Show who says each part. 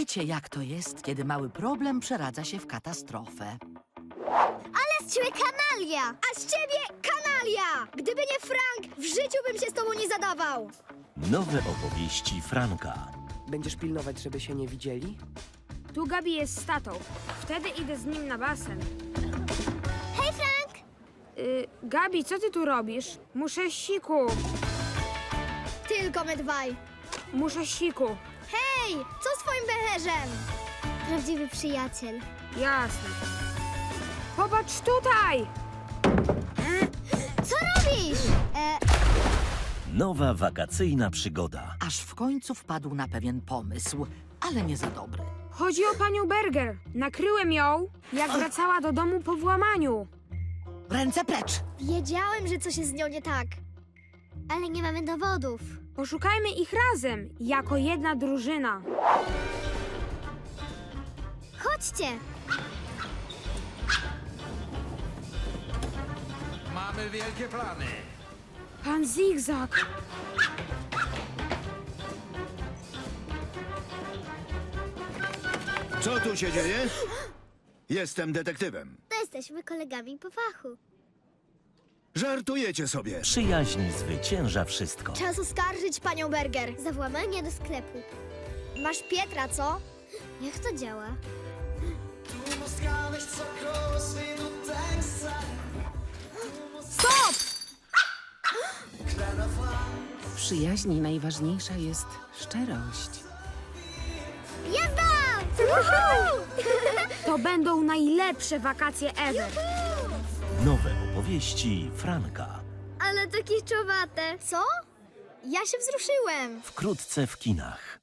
Speaker 1: Wiecie, jak to jest, kiedy mały problem przeradza się w katastrofę.
Speaker 2: Ale z ciebie kanalia! A z ciebie kanalia! Gdyby nie Frank, w życiu bym się z tobą nie zadawał!
Speaker 3: Nowe opowieści Franka.
Speaker 4: Będziesz pilnować, żeby się nie widzieli?
Speaker 5: Tu Gabi jest z tatą. Wtedy idę z nim na basen.
Speaker 2: Hej, Frank!
Speaker 5: Gabi, co ty tu robisz? Muszę siku.
Speaker 2: Tylko my dwaj.
Speaker 5: Muszę siku.
Speaker 2: Hej, co z twoim becherzem? Prawdziwy przyjaciel.
Speaker 5: Jasne. Popatrz tutaj!
Speaker 2: Co robisz?
Speaker 3: Nowa wakacyjna przygoda.
Speaker 1: Aż w końcu wpadł na pewien pomysł, ale nie za dobry.
Speaker 5: Chodzi o panią Berger. Nakryłem ją, jak wracała do domu po włamaniu.
Speaker 1: Ręce precz!
Speaker 2: Wiedziałem, że coś jest z nią nie tak. Ale nie mamy dowodów.
Speaker 5: Poszukajmy ich razem, jako jedna drużyna.
Speaker 2: Chodźcie!
Speaker 6: Mamy wielkie plany.
Speaker 5: Pan Zigzag.
Speaker 7: Co tu się dzieje? Jestem detektywem.
Speaker 2: To jesteśmy kolegami po fachu.
Speaker 7: Żartujecie sobie.
Speaker 3: Przyjaźń zwycięża wszystko.
Speaker 2: Czas oskarżyć panią Berger. Za włamanie do sklepu. Masz Pietra, co? Jak to działa?
Speaker 5: Stop!
Speaker 4: W przyjaźni najważniejsza jest szczerość.
Speaker 2: Jazda! Woohoo!
Speaker 5: To będą najlepsze wakacje ever.
Speaker 3: Nowe opowieści Franka.
Speaker 2: Ale to kiczowate. Co? Ja się wzruszyłem.
Speaker 3: Wkrótce w kinach.